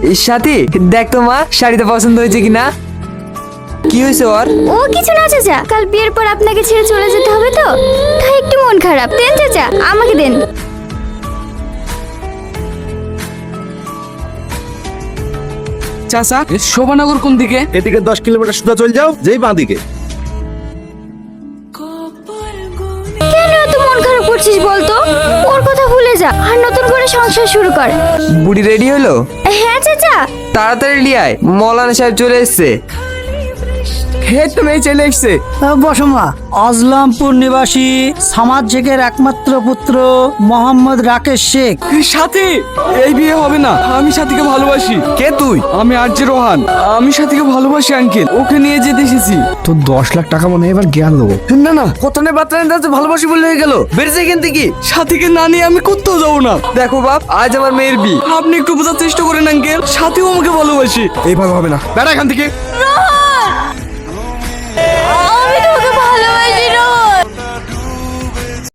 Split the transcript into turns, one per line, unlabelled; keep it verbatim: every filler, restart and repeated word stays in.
সাথী দেখ তো মা শাড়িটা পছন্দ হয়েছে কিনা। কি হয়েছে ওর?
ও কিছু না চাচা, কাল বিয়ের পর আপনাকে ছেড়ে চলে যেতে হবে তো, তাই একটু মন খারাপ। দেন চাচা, আমাকে দেন।
চাচা শোভানগর কোন দিকে?
এদিকে দশ কিলোমিটার সোজা চলে যাও, যেই বাঁ দিকে।
কেন এত মন খারাপ করছিস বলতো? ওর কথা ভুলে যা আর নতুন করে সংসার শুরু কর।
বুড়ি রেডি হলো?
হ্যাঁ চাচা।
তাড়াতাড়ি লিয়ায়, মৌলানা সাহেব চলে এসছে।
হে তো মেয়ে চলে এসছে।
বসমা, আজলামপুর নিবাসী সামাদ শেখের একমাত্র পুত্র মোহাম্মদ রাকেশ শেখ।
সাথী, এই বিয়ে হবে না, আমি সাথীকে ভালোবাসি।
কে তুই?
আমি আরজে রোহান, আমি সাথীকে ভালোবাসি আঙ্কেল, ওকে নিয়ে যেতে এসেছি।
তোর দশ লাখ টাকা মনে হয় এবার জ্ঞান দেবো।
না না, কত নেই বার্তা নিতে ভালোবাসি বলে হয়ে গেল। বেড়েছে এখান থেকে।
সাথীকে না নিয়ে আমি কোথাও যাবো না।
দেখো বাপ, আজ আমার মেয়ের বিয়ে।
আপনি একটু বোঝার চেষ্টা করেন আঙ্কেল, সাথীও আমাকে ভালোবাসি।
এইভাবে হবে না, বেড়া এখান থেকে।